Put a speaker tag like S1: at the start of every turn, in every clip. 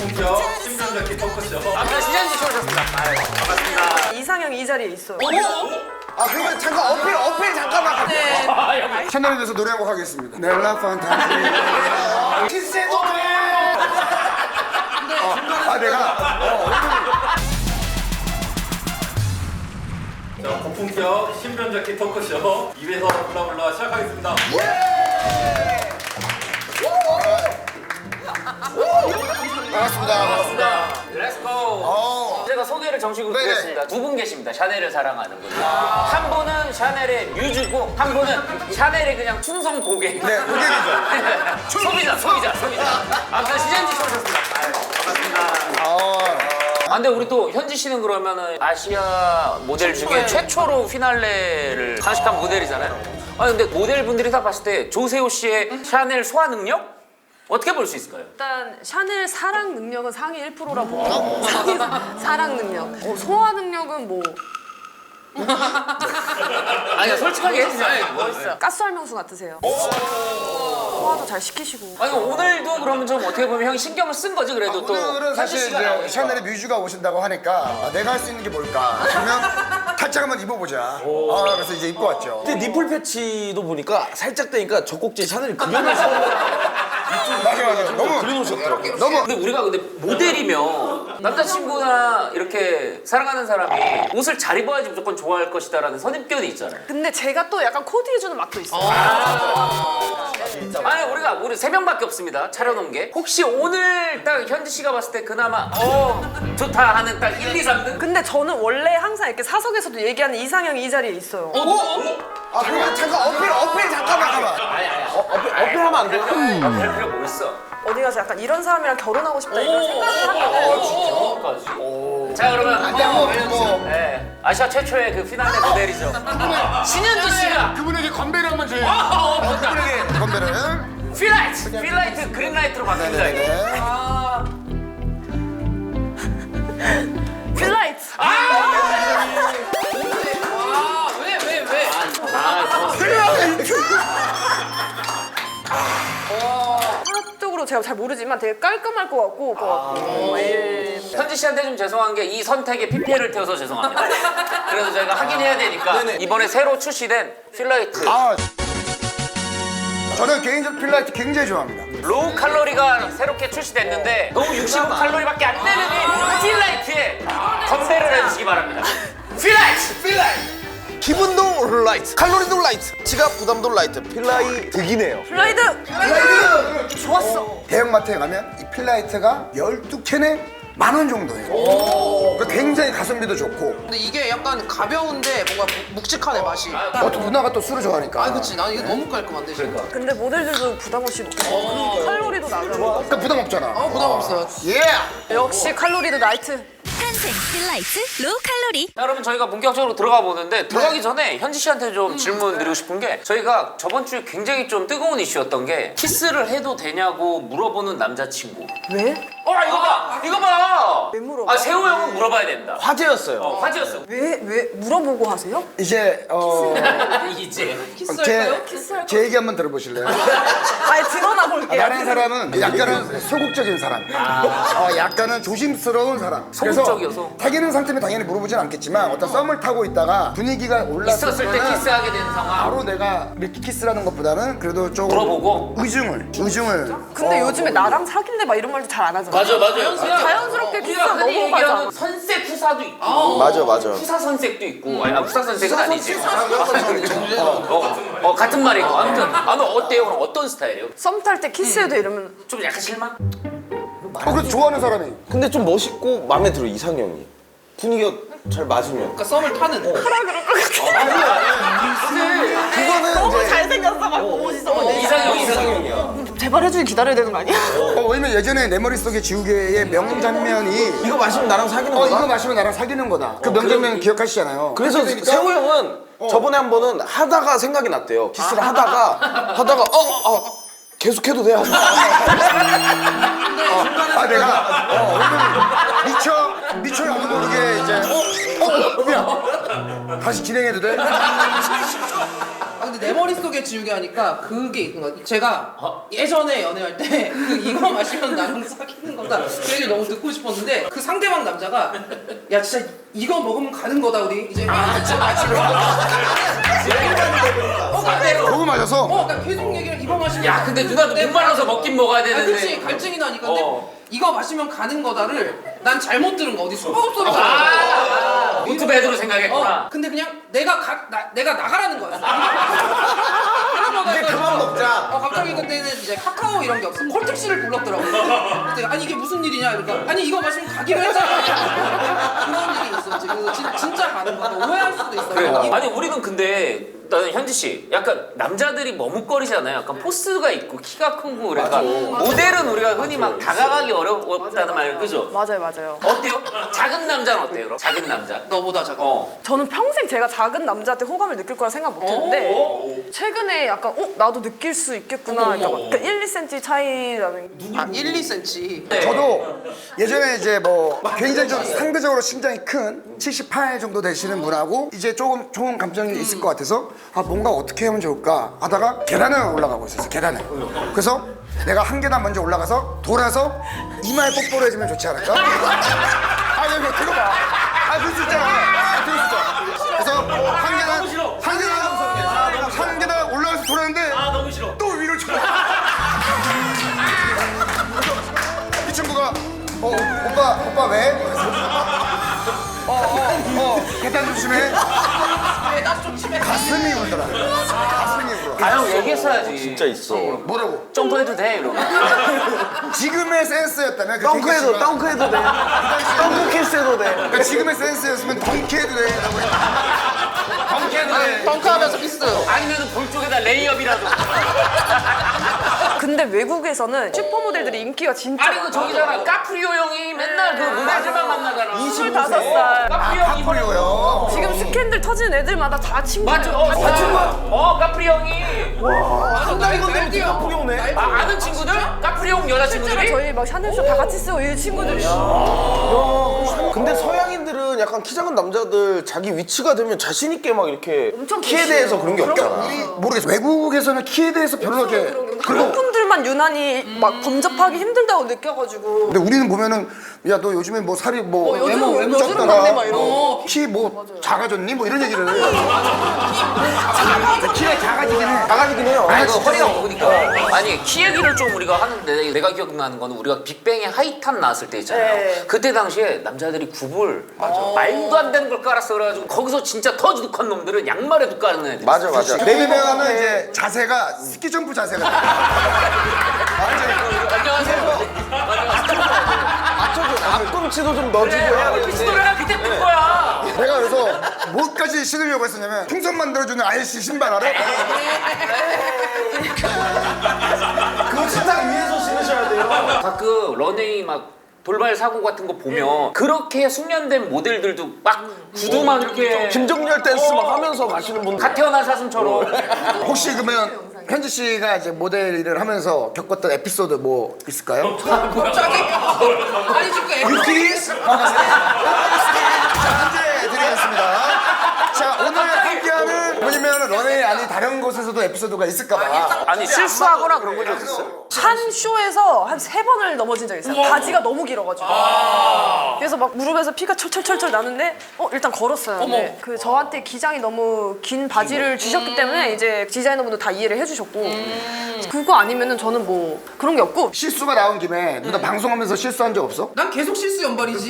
S1: 고품격 신변잡기 토크쇼.
S2: 아까 시장님 오셨습니다. 반갑습니다.
S3: 이상형 이 자리에 있어요.
S4: 아 그러면 잠깐 어필 잠깐만.
S3: 네.
S4: 채널에 대해서 노래 한곡 하겠습니다. 넬라 판타지. 키스해도 돼. 내가
S1: 자, 고품격 신변잡기 토크쇼 2회서 블라블라 시작하겠습니다.
S4: 반갑습니다.
S2: 렛츠고. 제가 소개를 정식으로
S4: 네네.
S2: 드리겠습니다. 두 분 계십니다. 샤넬을 사랑하는 분. 한 분은 샤넬의 뮤즈고 한 분은 샤넬의 그냥 충성 고객.
S4: 네, 고객이죠.
S2: 소비자. 아무튼 시장님 오셨습니다. 반갑습니다. 아, 근데 우리 또 현지 씨는 그러면은 아시아 모델 중에 최초로 피날레를 장식한 모델이잖아요. 아 근데 모델분들이 다 봤을 때 조세호 씨의 샤넬 소화 능력 어떻게 볼 수 있을까요?
S3: 일단 샤넬 사랑 능력은 상위 1%라 보고 사랑 능력. 소화 능력은 뭐
S2: 아니 솔직하게 해주세요.
S3: 멋있어요. 가스알명수 같으세요. 소화도 잘 시키시고.
S2: 아니 오늘도 그러면 좀 어떻게 보면 형이 신경을 쓴 거지 그래도 또
S4: 오늘은 사실
S2: 현지 씨가
S4: 이제
S2: 나오니까.
S4: 샤넬의 뮤즈가 오신다고 하니까 내가 할 수 있는 게 뭘까? 그러면 탈짝 한번 입어보자. 그래서 이제 입고 왔죠.
S5: 근데 니플 패치도 보니까 살짝 되니까 젖꼭지에 샤넬이 그려놨어.
S4: 맞아. 너무
S5: 그려놓으셨더라고요.
S4: 너무
S2: 근데 우리가 근데 모델이면 남자친구나 이렇게 사랑하는 사람이 옷을 잘 입어야지 무조건 좋아할 것이다라는 선입견이 있잖아요.
S3: 근데 제가 또 약간 코디해주는 맛도 있어요.
S2: 아니 우리 세 명밖에 없습니다. 차려놓은 게 혹시 오늘 딱 현지 씨가 봤을 때 그나마 좋다 하는 딱 1, 2, 3등?
S3: 근데 저는 원래 항상 이렇게 사석에서도 얘기하는 이상형이 이 자리에 있어요.
S4: 그러면 잠깐 어필 잠깐만.
S5: 어필하면 안 돼요?
S2: 별 필요 뭐 있어?
S3: 어디 가서 약간 이런 사람이랑 결혼하고 싶다 이런 생각을 하거든요.
S2: 자 그러면
S4: 뭐
S2: 네, 아시아 최초의 그 피날레 모델이죠. 신현주 씨가
S4: 그분에게 건배를 한번 줘요.
S2: 좋다.
S4: 그분에게 건배를.
S2: 필라이트 그린라이트로 바뀝니다. 이거.
S3: 필라이트. 한쪽으로 제가 잘 모르지만 되게 깔끔할 것 같고. 예.
S2: 현지 씨한테 좀 죄송한 게 이 선택에 PPL을 태워서 죄송합니다. 그래서 저희가 확인해야 되니까 이번에 새로 출시된 필라이트
S4: 저는 개인적으로 필라이트 굉장히 좋아합니다.
S2: 로우 칼로리가 새롭게 출시됐는데 너무 65칼로리밖에 안 되는 이 필라이트에 건배를 해주시기 바랍니다. 필라이트!
S5: 기분도 라이트, 칼로리도 라이트, 지갑 부담도 라이트, 필라이 득이네요.
S3: 필라이트. 좋았어.
S4: 대형마트에 가면 이 필라이트가 12캔에 10,000원 정도예요. 그러니까 굉장히 가성비도 좋고.
S6: 근데 이게 약간 가벼운데 뭔가 묵직하네 맛이.
S4: 또 누나가 또 술을 좋아하니까.
S6: 그치 난 이게 너무 깔끔한데 진짜.
S3: 근데 모델들도 부담 없이 먹고 칼로리도 낮아.
S4: 그러니까 부담 없잖아.
S6: 부담 없어요.
S4: 예!
S3: 역시 칼로리도 라이트.
S7: 탄생 필라이트 로우 칼로리.
S2: 자, 여러분 저희가 본격적으로 들어가 보는데 들어가기 전에 현지 씨한테 좀 질문 드리고 싶은 게 저희가 저번 주에 굉장히 좀 뜨거운 이슈였던 게 키스를 해도 되냐고 물어보는 남자친구.
S3: 왜?
S2: 이거 봐!
S3: 왜 물어봐?
S2: 아 세호 형은 물어봐야 된다.
S5: 화제였어요.
S2: 화제였어.
S3: 왜 물어보고 하세요?
S4: 이제
S2: 이제
S4: 제 얘기 한번 들어보실래요?
S3: 아예 드러나 볼게요.
S4: 다른 사람은 약간은 소극적인 사람, 약간은 조심스러운 사람.
S2: 소극적이어서.
S4: 사귀는 상태면 당연히 물어보진 않겠지만 어떤 썸을 타고 있다가 분위기가 올랐을
S2: 있었을 때
S4: 때는
S2: 키스하게 되는 상황.
S4: 바로 내가 밀키키스라는 것보다는 그래도 좀
S2: 물어보고?
S4: 의중을
S3: 근데 요즘에 나랑 사귈래 막 이런 말도 잘 안 하잖아.
S2: 맞아요.
S3: 자연스럽게 키스
S2: 우리가 흔히
S3: 넘어가잖아.
S2: 얘기하는 선색 후사도 있고
S5: 맞아.
S2: 후사 선색도 있고 아니 후사 선색은 아니지. 같은 말이고 아무튼 너 어때요? 그럼 어떤 스타일이에요?
S3: 썸 탈 때 키스해도 이러면
S2: 좀 약간 실망?
S4: 그래도 좋아하는 사람이
S5: 근데 좀 멋있고 마음에 들어 이상형이. 분위기가 잘 맞으면.
S6: 그러니까 썸을 타는.
S4: 그거는
S3: 너무
S4: 이제
S3: 잘생겼어 막 멋있어.
S5: 이상형이야.
S3: 제발 해주길 기다려야 되는 거 아니야?
S4: 왜냐면 예전에 내 머릿속에 지우개의 명장면이
S5: 이거 마시면 나랑 사귀는
S4: 이거
S5: 거다.
S4: 마시면 나랑 사귀는 거다. 그 명장면 기억하시잖아요.
S5: 그래서
S4: 그렇게 되니까
S5: 세호 형은 저번에 한 번은 하다가 생각이 났대요. 키스를 하다가 계속해도 돼. 하고.
S4: 내가 오늘 미쳐 나도 모르게 이제 미안 다시 진행해도 돼?
S6: 근데 내 머릿속에 지우개 하니까 그게 있는 거야. 제가 예전에 연애할 때 그 이거 마시면 나랑 사귀는 거다 그 얘기 너무 듣고 싶었는데 그 상대방 남자가 야 진짜 이거 먹으면 가는 거다 우리 이제 진짜 마시러
S4: 그거 맞아서
S6: 그러니까 계속 얘기를 이거 마시면
S2: 야 근데 누나도 목말라서 먹긴 먹어야 되는데.
S6: 그치 갈증이 나니까 근데 이거 마시면 가는 거다를 난 잘못 들은 거 어디 수박소리가
S2: 노트배드로 생각했구나.
S6: 근데 그냥 내가 나가라는 거야.
S5: 이제 그만 먹자.
S6: 갑자기 그때는 이제 카카오 이런 게 없어. 콜택시를 불렀더라고. 그때 아니 이게 무슨 일이냐 이러니까 아니 이거 마시면 가기로 했잖아. 그런 일이 있었지. 그래서 진짜 가는 거다. 오해할 수도 있어.
S2: 그래. 아니 우리는 근데 나는 현지 씨 약간 남자들이 머뭇거리잖아요. 약간 포스가 있고 키가 크고 그러니까 모델은 우리가 흔히 막 다가가기 어렵다는 말 그죠?
S3: 맞아요.
S2: 어때요? 작은 남자는 어때요? 그럼? 작은 남자.
S6: 너보다 작아.
S3: 저는 평생 제가 작은 남자한테 호감을 느낄 거라 생각 못 했는데 최근에 약간 나도 느낄 수 있겠구나. 그러니까 1, 2cm 차이라는
S6: 아 1, 2cm.
S2: 네.
S4: 저도 예전에 이제 뭐 굉장히 좀 상대적으로 신장이 큰 78 정도 되시는 분하고 이제 조금 좋은 감정이 있을 것 같아서 뭔가 어떻게 하면 좋을까 하다가 계단을 올라가고 있었어요. 계단을. 그래서 내가 한 계단 먼저 올라가서 돌아서 이마에 뽀뽀를 해주면 좋지 않을까? 여기 들어봐. 그럴 수 있잖아. 그럴 수 있어. 그래서 한 계단 올라가서 돌았는데
S2: 너무 싫어.
S4: 또 위로 쳐. 이 친구가 오빠 왜? 계단 조심해.
S6: 나좀 심해.
S4: 가슴이 울더라. 가슴이 울어.
S2: 형 얘기했어야지.
S5: 진짜 있어.
S4: 뭐라고?
S2: 점프해도 돼 이러고.
S4: 지금의 센스였다면
S5: 덩크해도 덩크해도 돼. 덩크 키스해도 돼.
S4: 그러니까 지금의 센스였으면 덩키해도 돼. 라고 덩키해도 돼.
S6: 덩크하면서 키스.
S2: 아니면은 볼 쪽에다 레이업이라도.
S3: 근데 외국에서는 슈퍼모델들이 인기가 진짜
S2: 아니 그 저기잖아 까프리오 형이 맨날 그 모델들만 만나잖아.
S3: 25살
S2: 까프리오 형이
S4: 카프리오요.
S3: 지금 스캔들 터지는 애들마다 다 친구예요.
S2: 맞죠?
S3: 다 친구야.
S2: 까프리 형이.
S5: 한 달이 건데 카프리 오네.
S2: 아는 친구들? 까프리 형
S3: 실제로
S2: 여자친구들이?
S3: 저희 막 샤넬쇼 다 같이 쓰고 이 친구들이
S5: 근데 서양인들은 약간 키 작은 남자들 자기 위치가 되면 자신 있게 막 이렇게
S3: 엄청
S5: 키에
S3: 계시죠.
S5: 대해서 그런 게 없잖아.
S4: 우리 모르겠어. 외국에서는 키에 대해서 별로 이렇게
S3: 그런 분들만 유난히 막 범접하기 힘들다고 느껴가지고
S4: 근데 우리는 보면은 야 너 요즘에 뭐 살이 뭐
S3: 요즘
S4: 외모
S3: 요즘은
S4: 쪘더라.
S3: 막내 막 이런
S4: 키 뭐 작아졌니? 뭐 이런 얘기를 키가 작아지긴 해.
S5: 나가지긴 해요.
S2: 아니 그 허리가 먹으니까 아니 키 얘기를 좀 우리가 하는데 내가 기억나는 거는 우리가 빅뱅의 하이탑 나왔을 때 있잖아요.
S3: 네.
S2: 그때 당시에 남자들이 굽을 말도 안 되는 걸 깔았어 그래가지고 거기서 진짜 터지둑한 놈들은 양말에도 까는 애들.
S5: 맞아.
S4: 내리면은 이제 자세가 스키 점프 자세가
S2: 안녕하세요.
S5: 맞춰줘. 앞꿈치도 좀 넣어주고요.
S2: 피스토레가 그때 뜬 거야.
S4: 내가 그래서 뭐까지 신으려고 했었냐면 풍선 만들어주는 아이씨 신발 알아?
S5: 그거 식탁 위에서 신으셔야 돼요.
S2: 가끔 런웨이 막 돌발 사고 같은 거 보면 그렇게 숙련된 모델들도 막 구두만 이렇게
S5: 김종렬 댄스 막 하면서 가시는 분들.
S2: 갓 태어난 사슴처럼.
S4: 혹시 그러면 현지 씨가 이제 모델 일을 하면서 겪었던 에피소드 뭐 있을까요?
S6: 갑자기 아니 지금
S4: 유키스 문제 드리겠습니다. 자 오늘 함께하는 뭐냐면 런웨이 아닌 다른 곳에서도 에피소드가 있을까봐.
S2: 아니 실수하거나 그런 거 좀 있어요?
S3: 한 쇼에서 한 3번을 넘어진 적이 있어요. 바지가 너무 길어가지고. 그래서 막 무릎에서 피가 철철철철 나는데 일단 걸었어요. 근데 그 저한테 기장이 너무 긴 바지를 주셨기 때문에 이제 디자이너분도 다 이해를 해주셨고 그거 아니면은 저는 뭐 그런 게 없고
S4: 실수가 나온 김에 누나 방송하면서 실수한 적 없어?
S6: 난 계속 실수 연발이지.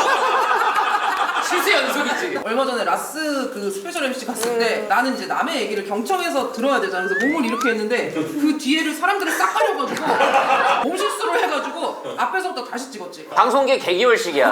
S2: 실수 연속이지.
S6: 얼마 전에 라스 그 스페셜 MC 갔을 때 나는 이제 남의 얘기를 경청해서 들어야 되잖아. 그래서 몸을 이렇게 했는데 그 뒤에를 사람들이 싹 가려가지고 몸 실수를 해가지고 앞에서부터 다시 찍었지.
S2: 방송계 개기월식이야.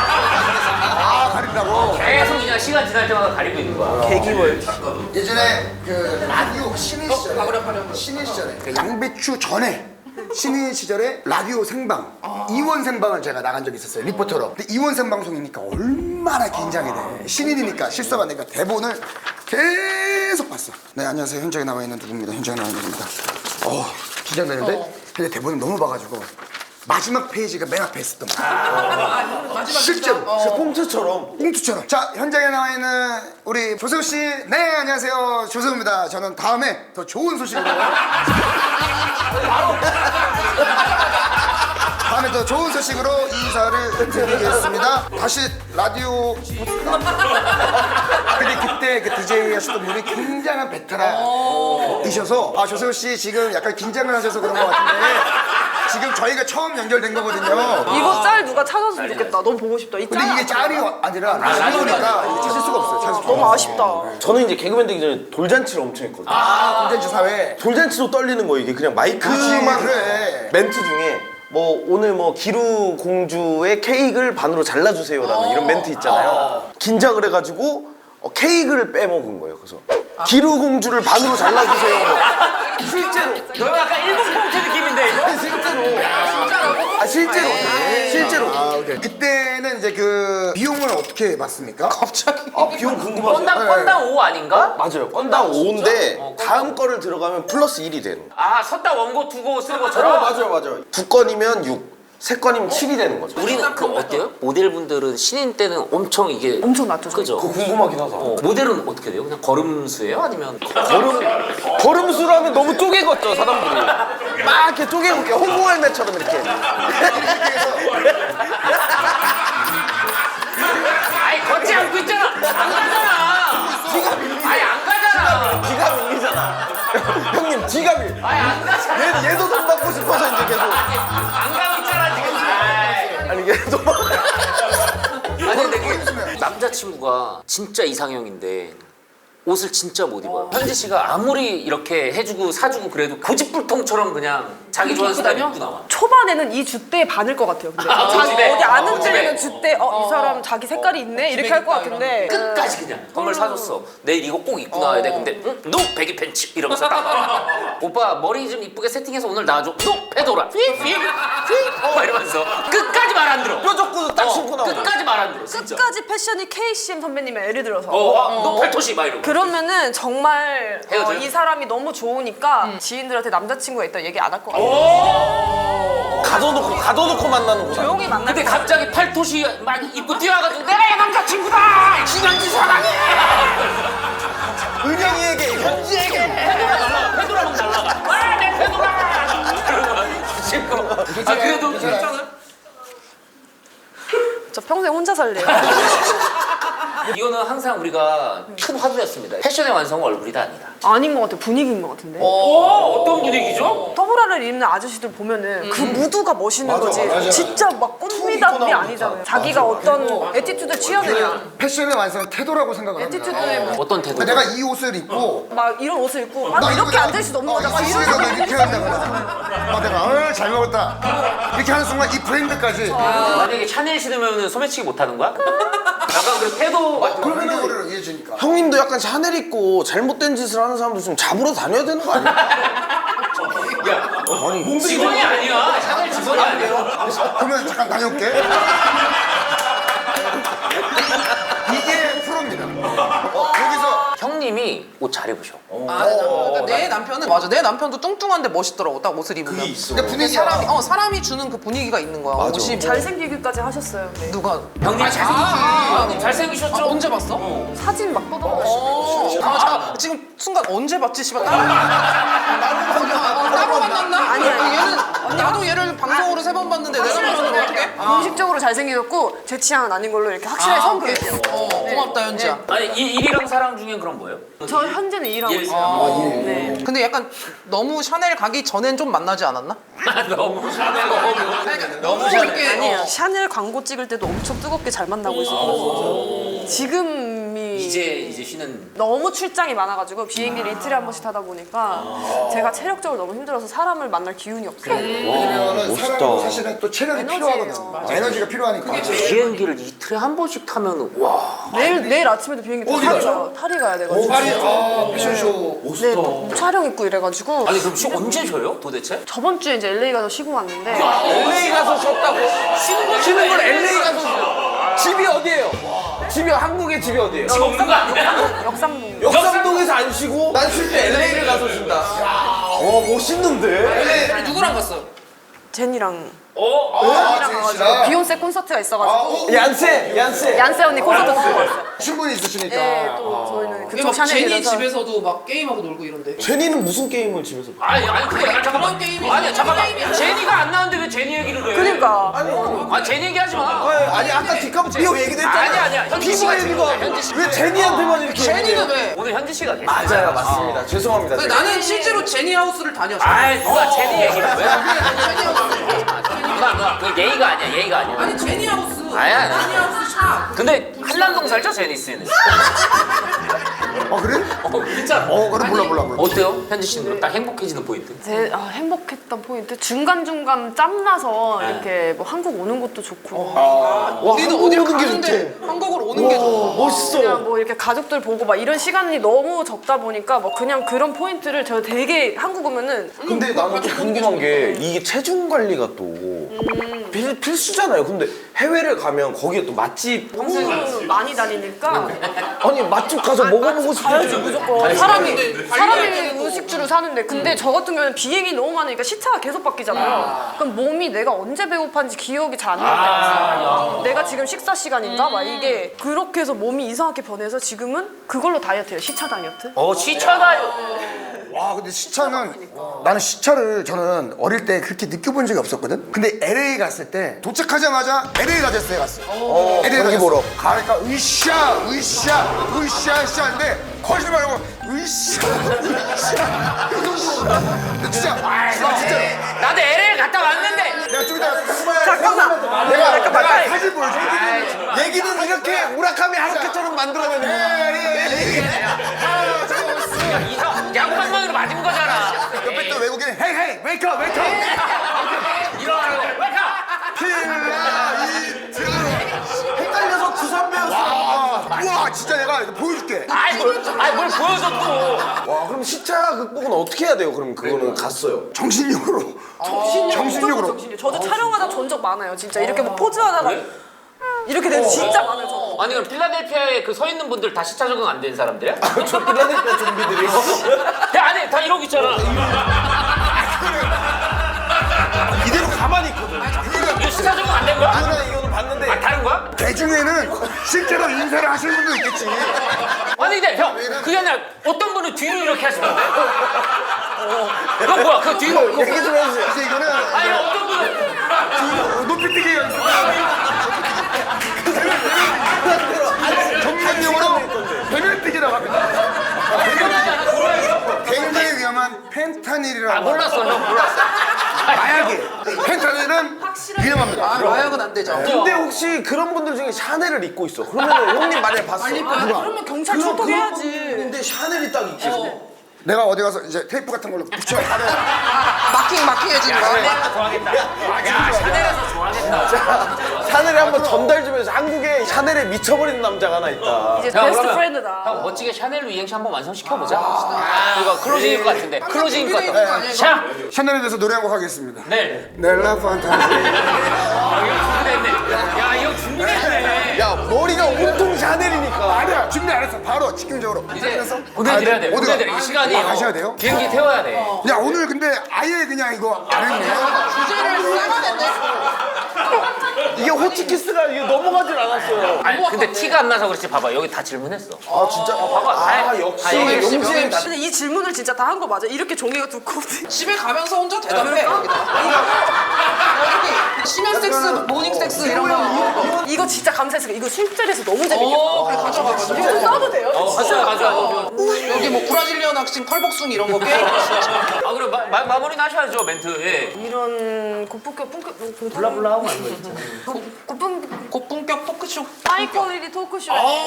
S4: 가린다고?
S2: 계속 그냥 시간 지날 때마다 가리고 있는 거야.
S4: 예전에 그 라디오 신인 시절에
S6: 가버려.
S4: 신인 시절에 그 양배추 전에 신인 시절에 라디오 생방 이원 생방을 제가 나간 적이 있었어요 리포터로. 근데 이원 생방송이니까 얼마나 긴장이 돼. 신인이니까 실수가 안 되니까 대본을 계속 봤어. 네 안녕하세요 현장에 나와 있는 누구입니다. 현장에 나와 있는 누구입니다. 긴장되는데 근데 대본을 너무 봐가지고 마지막 페이지가 맨 앞에 있었던 거야. 실제로.
S5: 꽁트처럼.
S4: 꽁투처럼. 자, 현장에 나와 있는 우리 조세호 씨. 네, 안녕하세요. 조세호입니다. 저는 다음에 더 좋은 소식으로. 다음에 더 좋은 소식으로 인사를 드리겠습니다. 다시 라디오. 근데 그때 그 DJ 하셨던 분이 굉장한 베테랑이셔서 아, 조세호 씨 지금 약간 긴장을 하셔서 그런 것 같은데 지금 저희가 처음 연결된 거거든요.
S3: 이거 짤 누가 찾았으면 좋겠다. 너무 보고 싶다. 이 짤.
S4: 근데 이게 짤이 아니라 라디오니까 이게 찾을 수가 없어요. 찾을 수가
S3: 너무
S4: 없어요.
S3: 아쉽다.
S5: 저는 이제 개그맨 되기 전에 돌잔치를 엄청 했거든요.
S4: 콘텐츠 사회.
S5: 돌잔치도 떨리는 거예요. 이게 그냥 마이크만
S4: 그래.
S5: 멘트 중에 뭐 오늘 뭐 기루 공주의 케이크를 반으로 잘라주세요라는 이런 멘트 있잖아요. 긴장을 해가지고 케이크를 빼먹은 거예요. 그래서 기루 공주를 반으로 잘라주세요. 실제로.
S2: 너 약간 일본 꽁트 느낌인데 이거?
S5: 실제로. 실제로.
S4: 아, 오케이. 그때는 이제 그 비용을 어떻게 받습니까?
S6: 갑자기.
S5: 비용 궁금하죠?
S2: 건당 5 아닌가?
S5: 맞아요. 건당 5인데 다음 거를 들어가면 플러스 1이 되는.
S2: 아 섰다 원고 두고 쓰는 것처럼?
S5: 맞아요. 두 건이면 6, 세 건이면 7이 되는 거죠.
S2: 우리는 그 어때요? 모델분들은 신인 때는 엄청 이게
S3: 엄청 낮죠.
S2: 그죠?
S5: 그거 궁금하긴 하다.
S2: 모델은 어떻게 돼요? 그냥 걸음수예요? 아니면
S5: 걸음수로 하면 너무 쪼개 걷죠, 사람들이. 막 이렇게 쪼개 걷게 홍보 할매처럼 이렇게.
S2: 아니 걷지 않고 있잖아. 안 가잖아. 아니 안 가잖아.
S5: 뒤가 밀리잖아. 형님, 뒤가 밀.
S2: 아니 안 가잖아.
S5: 얘도 돈 받고 싶어서 이제 계속.
S2: 안 가고 있잖아 지금. 아이.
S5: 아니, 얘도.
S2: 아니 근데 그 남자친구가 진짜 이상형인데 옷을 진짜 못 입어요. 현지 씨가 아무리 이렇게 해주고 사주고 그래도 고집불통처럼 그냥 자기 좋아하는 스타일 입고 나와.
S3: 초반에는 이 주대에 반을 것 같아요. 근데 자기
S2: 집에.
S3: 어디 안
S2: 집에.
S3: 흔들리는 주대 이 사람 자기 색깔이 있네 이렇게 할 것 같은데
S2: 끝까지 그냥 선물 사줬어. 내일 이거 꼭 입고 나와야 돼. 근데 응? 노 배기 팬츠 이러면서 딱 나와. 오빠 머리 좀 이쁘게 세팅해서 오늘 나와줘. 노 페도라. 막 이러면서 끝까지 말 안 들어.
S5: 뾰족구도 딱 신고 나와.
S2: 끝까지 말 안 들어. 진짜.
S3: 끝까지 패션이 KCM 선배님의 예를 들어서
S2: 너 팔토시 막 이러고.
S3: 그러면은 정말
S2: 헤어져요?
S3: 이 사람이 너무 좋으니까 지인들한테 남자친구가 있다 얘기 안 할 것 같아요.
S5: 가둬놓고 만나는구나.
S3: 조용히 만날
S2: 근데
S3: 것 같아요.
S2: 갑자기 팔토시 막 입고 뛰어가지고 내가 얘 남자친구다! 신현지 사랑해!
S5: 은영이에게, 현지에게.
S2: 페도라 막 날라가. 와, 내 페도라! 지금 아 그래도 괜찮아요?
S3: 저 평생 혼자 살래요.
S2: 이거는 항상 우리가 큰 화두였습니다. 패션의 완성은 얼굴이다 아니다.
S3: 아닌 것 같아요. 분위기인 것 같은데.
S2: 어떤 분위기죠?
S3: 더블아를 입는 아저씨들 보면은 그 무드가 멋있는 거지.
S4: 맞아.
S3: 진짜 막 꽃미담이 아니잖아요. 자기가 어떤 에티튜드 취하느냐.
S4: 패션의 완성은 태도라고 생각을 합니다.
S3: 에티튜드에 뭐
S2: 어떤 태도?
S4: 그러니까 내가 이 옷을 입고
S3: 막 이런 옷을 입고 아,
S4: 나
S3: 이렇게
S4: 이거
S3: 앉을 수도 없는 거잖아. 막 이런
S4: 이런
S3: 생각.
S4: 이렇게 한다거나 내가 잘 먹었다 이렇게 하는 순간 이 브랜드까지
S2: 만약에 샤넬 신으면 소매치기 못 하는 거야? 약간 그 태도 같은 거.
S4: 그러면 우리를 이해해주니까
S5: 형님도 약간 샤넬 입고 잘못된 짓을 하는 사람들 좀 잡으러 다녀야 되는 거 아니야?
S2: 직원이 아니야. 샤넬 직원이 아니야.
S4: 그러면 잠깐 다녀올게 이게 프로입니다 여기서
S2: 형님이 옷 잘 입으셔.
S6: 그러니까 내 남편은 맞아. 내 남편도 뚱뚱한데 멋있더라고. 딱 옷을 입으면.
S5: 그게 있어.
S4: 근데 분위기야
S6: 사람이 주는 그 분위기가 있는 거야.
S5: 맞아.
S6: 옷이 뭐
S3: 잘생기기까지 하셨어요. 네.
S6: 누가
S2: 형님 잘생기시죠? 잘생기셨죠?
S6: 언제 봤어?
S3: 사진 막 뻗어가지고.
S6: 자, 지금 순간 언제 봤지? 씨발 따로 만났나?
S3: 아니야.
S6: 얘는 나도 얘를 방송으로 3번 봤는데 내 남편은 어떻게?
S3: 공식적으로 잘생기셨고 제 취향은 아닌 걸로 이렇게 확실하게 선그을게요.
S6: 고맙다 현지야.
S2: 아니 일이랑 사랑 중엔 그럼 뭐예요?
S3: 저 현재는 일하고
S2: 일.
S3: 있어요. 네.
S6: 근데 약간 너무 샤넬 가기 전엔 좀 만나지 않았나?
S2: 너무 샤넬
S6: 너무 이렇게
S3: 아니에요. 샤넬 광고 찍을 때도 엄청 뜨겁게 잘 만나고 있었거든요. 지금이
S2: 이제 쉬는.
S3: 너무 출장이 많아가지고 비행기를 이틀에 한 번씩 타다 보니까 제가 체력적으로 너무 힘들어서 사람을 만날 기운이 없어요.
S4: 왜냐면은 사람은 사실은 또 체력이
S3: 에너지예요.
S4: 필요하거든 에너지가 필요하니까
S2: 비행기를 이틀에 한 번씩 타면 와.
S3: 내일 아침에도 비행기 타고
S4: 어디
S3: 가요. 파리 가야 돼가지고.
S4: 파리 패션쇼
S3: 네, 또 촬영 있고 이래가지고
S2: 아니 그럼 언제 쉬어요 도대체?
S3: 저번 주에 이제 LA 가서 쉬고 왔는데
S5: LA 가서 쉬었다고? 쉬는 걸 LA 가서 쉬어. 집이 어디예요? 집이 한국의 집이 어디예요?
S2: 지금 없는 거 아니야?
S3: 역삼동
S5: 역삼동에서 안 쉬고 난 쉴 때 LA를 가서 쉰다. 멋있는데?
S6: 누구랑 갔어?
S3: 제니랑
S4: 제니 씨랑.
S3: 비욘세 콘서트가 있어가지고
S5: 얀세
S3: 얀세 언니 콘서트 보고 왔어요.
S4: 충분히 있으시니까.
S3: 네, 또 저희는
S6: 이게
S3: 그쪽
S6: 막 제니
S3: 샤넬이라서
S6: 집에서도 막 게임하고 놀고 이런데.
S5: 제니는 무슨 게임을 집에서
S2: 아니 그게 잠깐만.
S6: 그런 게임이
S2: 아니 잠깐만.
S6: 게임이야.
S2: 제니가 안 나오는데 왜 제니 얘기를 해?
S3: 그러니까
S2: 아 제니 얘기하지 마.
S5: 아니 아까 디카프리오 얘기도 했잖아.
S2: 아니야. 현지
S5: 피부
S2: 씨가
S5: 얘기도
S2: 지금 현지 씨.
S5: 왜 제니한테만 이렇게
S6: 제니는
S5: 얘기해요?
S6: 왜?
S2: 오늘 현지 씨가 계시.
S5: 맞아요 맞습니다. 죄송합니다.
S6: 근데 나는 실제로 제니 하우스를 다녔어.
S2: 아 누가 제니 얘기를 왜? 누가 그 예의가 아니야.
S6: 아니 제니 하우스.
S2: 아니야.
S6: 제니 하우스 샵.
S2: 근데 한남동 살죠 제니 씨는?
S4: 그래?
S2: 진짜.
S4: 그래 몰라.
S2: 어때요 현지 씨는 딱 행복해지는 포인트?
S3: 제 행복했던 포인트 중간중간 짬나서 이렇게 뭐 한국 오는 것도 좋고
S6: 우리는
S5: 한국
S6: 어딜
S5: 오는 게
S6: 가는데 한국으로 오는 게 좋아.
S5: 멋있어.
S3: 그냥 뭐 이렇게 가족들 보고 막 이런 시간이 너무 적다 보니까 뭐 그냥 그런 포인트를 저 되게 한국 오면은
S5: 근데 나는 좀 궁금한 게 이게 체중 관리가 또 필수잖아요. 근데 해외를 가면 거기에 또 맛집
S3: 너무 많이 다니니까
S5: 아니 맛집 가서 먹어보고
S3: 가야지
S5: 싶은데
S3: 무조건 사람이 음식주를 사는데 근데 저 같은 경우는 비행이 너무 많으니까 시차가 계속 바뀌잖아요. 그럼 몸이 내가 언제 배고팠는지 기억이 잘 안 날 때가 있어요. 내가 지금 식사 시간인가 막 이게 그렇게 해서 몸이 이상하게 변해서 지금은 그걸로 다이어트해요. 시차 다이어트.
S2: 시차가
S4: 와 근데 시차는 나는 시차를 저는 어릴 때 그렇게 느껴본 적이 없었거든. 근데 LA 갔을 때 도착하자마자 LA 가제스에 갔어. LA
S5: 경기 보러.
S4: 가니까 으쌰인데 거짓말 말고 으쌰. 진짜
S2: 나도 LA 갔다 왔는데.
S4: 내가 좀 이따
S3: 잠깐만.
S4: 내가 사진 보여줘.
S5: 얘기는 이렇게 우라카미 하루키처럼 만들어내는
S2: 이상 양방망이로 맞은 거잖아.
S4: 옆에 또 외국인 헤이 웨이크업
S2: 일어나라고. 웨이크.
S4: 필라이트
S5: 헷갈려서 두산배였어.
S4: 와 진짜 내가 이거 보여줄게.
S2: 아이 뭘 보여줘 또.
S5: 와 그럼 시차 극복은 어떻게 해야 돼요? 그럼 그거는 갔어요.
S4: 정신력으로.
S3: 정신력으로. 저도 촬영하다 전 적 많아요. 진짜 이렇게 뭐 포즈하다가 이렇게 되는 진짜 많아요. 저도.
S2: 아니 그럼 필라델피아에 그 서 있는 분들 다 시차 적응 안 된 사람들이야?
S5: 저 필라델피아 좀비들이
S2: 야 안에 다 이러고 있잖아.
S5: 이대로 가만히 있거든.
S2: 이거 시차 적응 안 된 거야?
S5: 아까 이거는 봤는데
S2: 아 다른 거야?
S4: 대중에는 실제로 인사를 하시는 분도 있겠지.
S2: 아니 근데 형 그게 아니라 어떤 분은 뒤로 이렇게 하시던데? 그건 뭐야? 그 뒤로
S5: 얘기 좀 해주세요.
S4: 이제 이거는
S2: 아니 어떤 분은
S4: 높이뛰기 연습. 전문용어로 배면뛰기라고 합니다. 굉장히 위험한 펜타닐이라고.
S2: 몰랐어 형 몰랐어.
S4: 마약이. 펜타닐은 위험합니다.
S6: 마약은 안 되죠.
S5: 근데 혹시 그런 분들 중에 샤넬을 입고 있어. 그러면 형님 만약에 봤어.
S3: 그러면 경찰 출동해야지.
S5: 근데 샤넬이 딱 입고 있어.
S4: 내가 어디 가서 이제 테이프 같은 걸로 붙여.
S6: 마킹해지는 거.
S2: 좋아하겠다. 야 샤넬에서 좋아하겠다.
S5: 샤넬에 한번 전달 좀 해서 한국에 샤넬에 미쳐버리는 남자가 하나 있다.
S3: 이제
S2: 형,
S3: 베스트
S2: 그러면
S3: 프렌드다.
S2: 형 멋지게 샤넬로 이행시 한번 완성시켜보자. 이거 클로징일 것 같은데. 클로징일 것
S6: 준비돼 있는 거
S2: 같아.
S6: 아니야,
S2: 샤!
S4: 샤넬에 대해서 노래 한 곡 하겠습니다.
S2: 넬.
S4: 넬라 판타지.
S2: 아 이거 준비됐네. 야 이거 준비됐네.
S5: 야 머리가 온통 샤넬이니까.
S4: 아니야 준비 안 했어. 바로 직경적으로.
S2: 이제 보내드려야 돼.
S4: 어디가?
S2: 보내드려. 이 시간이.
S4: 가셔야 돼요?
S2: 비행기 태워야 돼.
S4: 야 오늘 근데 아예 그냥 이거 안 했네.
S6: 주제를 싹아냈네.
S5: 이게 호치키스가 이게 넘어가질 않았어요.
S2: 아니 근데 티가 안 나서 그렇지. 봐봐 여기 다 질문했어.
S5: 아 진짜?
S2: 봐봐.
S5: 아 역시
S2: 다 얘기했어.
S5: 용진 다.
S3: 근데 이 질문을 진짜 다 한 거 맞아? 이렇게 종이가 두껍대.
S6: 집에 가면서 혼자 대답해. 여기다. 여기 심야 섹스, 모닝 섹스 이런 거.
S3: 이거 진짜 감사했어요. 이거 술자리에서 너무 재밌겠다.
S6: 그래 가져가.
S3: 이거 좀 써도 돼요?
S2: 가져와.
S6: 여기 뭐 브라질리언 학생 털복숭 이런 거 게임.
S2: 아 그럼 마무리 하셔야죠 멘트. 예.
S3: 이런 고품격
S2: 블라블라 하고 안 거지.
S6: 고품격 토크쇼.
S3: 하이 퀄리티 토크쇼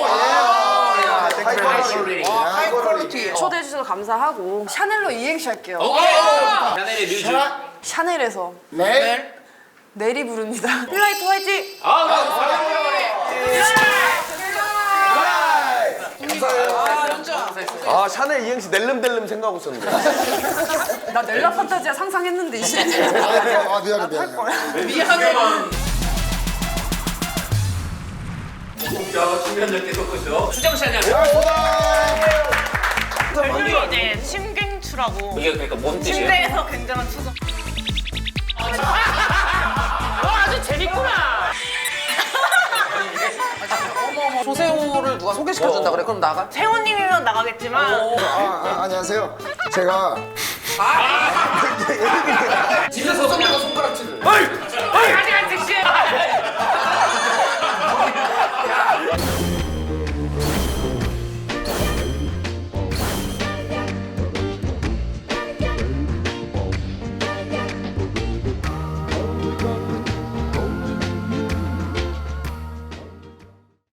S6: 하이 퀄리티.
S3: 초대해 주셔서 감사하고 샤넬로 이행시 할게요.
S2: 샤넬의 뮤즈.
S3: 샤넬에서
S4: 네.
S3: 내리 부릅니다. 필라이트 화이팅!
S5: 아 샤넬 이행시 낼름델름 생각하고 있었는데.
S3: 나 넬라 판타지아 상상했는데 이제
S4: 아 미안해.
S6: 미안해.
S1: 본격 신변적기 토크쇼.
S2: 수정 씨 안녕하세요.
S8: 이제 심갱추라고
S2: 이게 그러니까 뭔 뜻이에요?
S8: 침대에서 굉장한 추정
S2: 재밌구나.
S6: 어머 조세호를 누가 소개시켜준다 그래? 그럼 나가?
S8: 세호님이면 나가겠지만
S4: 안녕하세요. 제가
S6: 집에서 내가 손가락질을.
S2: 아직 안 섹시해.